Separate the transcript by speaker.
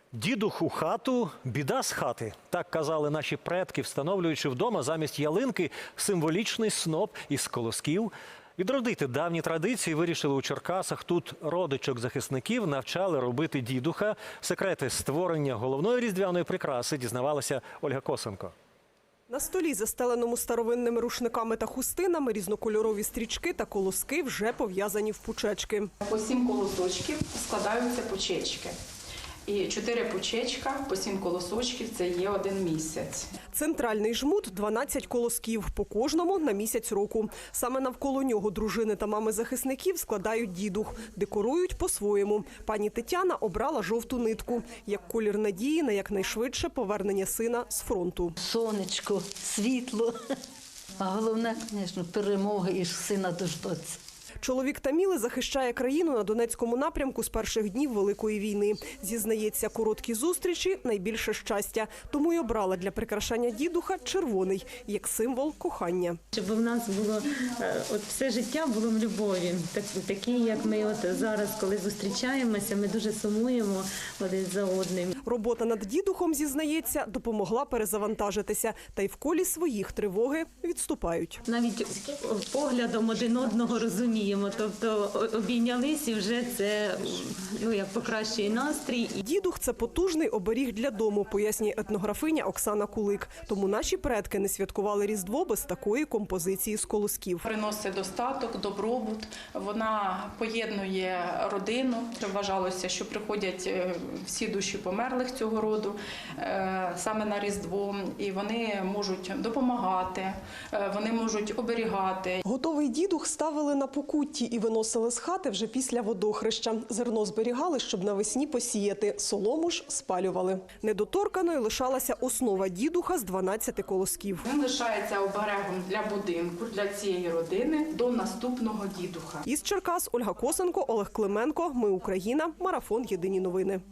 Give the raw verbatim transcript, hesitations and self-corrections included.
Speaker 1: Дідух у хату – біда з хати. Так казали наші предки, встановлюючи вдома замість ялинки символічний сноп із колосків. Відродити давні традиції вирішили у Черкасах. Тут родичок захисників навчали робити дідуха. Секрети створення головної різдвяної прикраси дізнавалася Ольга Косенко.
Speaker 2: На столі, застеленому старовинними рушниками та хустинами, різнокольорові стрічки та колоски вже пов'язані в пучечки.
Speaker 3: По сім колосочків складаються пучечки. І чотири пучечка по сім колосочків – це є один місяць.
Speaker 2: Центральний жмут – дванадцять колосків, по кожному на місяць року. Саме навколо нього дружини та мами захисників складають дідух, декорують по-своєму. Пані Тетяна обрала жовту нитку, як колір надії на якнайшвидше повернення сина з фронту.
Speaker 4: Сонечко, світло, а головне, звісно, перемоги і сина дождаться.
Speaker 2: Чоловік Таміли захищає країну на Донецькому напрямку з перших днів Великої війни. Зізнається, короткі зустрічі – найбільше щастя. Тому й обрала для прикрашання дідуха червоний, як символ кохання.
Speaker 5: Щоб в нас було, от все життя було в любові. Так, такі, як ми от зараз, коли зустрічаємося, ми дуже сумуємо один за одним.
Speaker 2: Робота над дідухом, зізнається, допомогла перезавантажитися. Та й в колі своїх тривоги відступають.
Speaker 5: Навіть поглядом один одного розуміємо. Тобто обійнялись і вже це, ну, як покращує настрій.
Speaker 2: Дідух – це потужний оберіг для дому, пояснює етнографиня Оксана Кулик. Тому наші предки не святкували Різдво без такої композиції з колосків.
Speaker 3: Приносить достаток, добробут, вона поєднує родину. Вважалося, що приходять всі душі померлих цього роду саме на Різдво, і вони можуть допомагати, вони можуть оберігати.
Speaker 2: Готовий дідух ставили на покутті і виносили з хати вже після водохреща. Зерно зберігали, щоб навесні посіяти, солому ж спалювали. Недоторканою лишалася основа дідуха з дванадцяти колосків.
Speaker 3: Він лишається оберегом для будинку, для цієї родини до наступного дідуха.
Speaker 2: Із Черкас Ольга Косенко, Олег Клименко. Ми Україна. Марафон. Єдині новини.